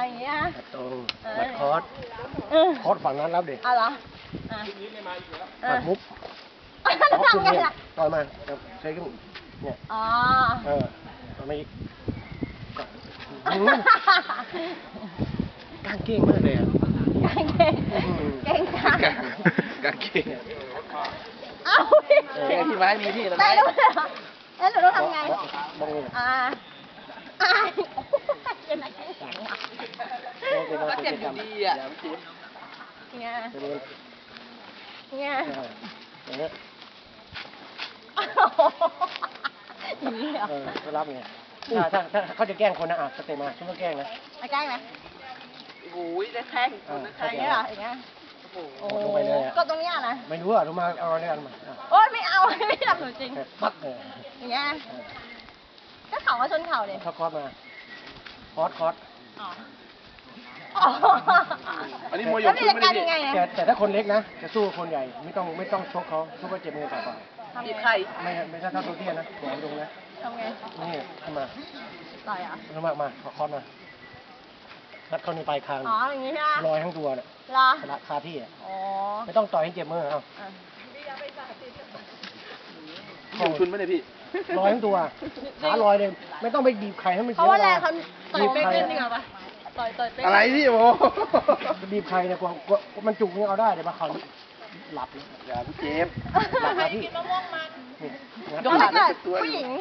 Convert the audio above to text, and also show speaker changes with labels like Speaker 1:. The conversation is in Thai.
Speaker 1: อย่างเงี้ย
Speaker 2: ตรงมัดคอร์สฝั่งนั้นรับดิ
Speaker 1: เอาเหรอ
Speaker 2: ปัดมุบ
Speaker 1: แล้วทำไงล่ะ
Speaker 2: ต่อยมาใช้ขึ้นเนี่ย
Speaker 1: อ๋อ
Speaker 2: ต่อมาอีกกางเก่งมากเลยอ่ะ
Speaker 1: กางเก่งเก่งจัง
Speaker 2: กางเก่ง
Speaker 1: เอ้า
Speaker 2: ที่ไม้มีที่อะไร
Speaker 1: ได้ด้วยเหรอแล้วหนูต้องทำไง
Speaker 2: บ้อง
Speaker 1: เป็นอะไรแข็งอ่ะ
Speaker 2: ก็เจ็บอยู่ดีอ่ะ
Speaker 1: เนี่ย
Speaker 2: อย่างเงี้ยก็รับไงถ้าเขาจะแกล้งคนนะสเตมาช่วยแกล้งนะ
Speaker 1: แกล้งไหม
Speaker 3: โอ้ยได้แข้ง
Speaker 1: แข่งเนี่ยเหรออย่างเงี้ยโอ้
Speaker 2: ลงไปเลย
Speaker 1: ก็ตรงนี้นะ
Speaker 2: ไม่รู้อ่ะลงมาเอาอะไรกันมา
Speaker 1: โอ๊ยไม่เอาไม่ทำหนูจริง
Speaker 2: ปั๊บเลย
Speaker 1: อย่างเงี้ยก็เข่ามาชนเข่าเลย
Speaker 2: คอร์สมาคอร์ส
Speaker 3: อันนี้มวยยกขึ้นไม่
Speaker 2: ได้แต่ถ้าคนเล็กนะจะสู้คนใหญ่ไม่ต้องชกเขาชกก็เจ็บมือต่อไป
Speaker 3: จีบใคร
Speaker 2: ไม่ใช่ถ้าตัวเตี้ยนะหัวตรงนะ
Speaker 1: ทำไง
Speaker 2: นี่ขึ้นมา
Speaker 1: ต่อยอ่ะ
Speaker 2: ลงมาคอร์สมานัดเข้าในปลายคาง
Speaker 1: อย่างนี้ใช่ไหม
Speaker 2: ลอยทั้งตัวเนี่ยคาที่อ่ะไม่ต้องต่อยให้เจ็บมือเอา
Speaker 3: ของชุนไม่ได้พี่
Speaker 2: ลอยทั้งตัวขาลอยเลยไม่ต้องไปบีบไข่ให้มัน
Speaker 1: เพราะว่าแรงเขาต่อยเป๊กเล่นดีกว่าปะต่อยเป๊ก
Speaker 3: อะไรพี่โอ้
Speaker 2: บีบไข่เนี่ยกว่ามันจุกนี่เอาได้เดี๋ยวมาเขาหลับ
Speaker 3: อย่าพี่เจ็บ
Speaker 2: หลับคาที่
Speaker 1: ยกขาผู้หญิง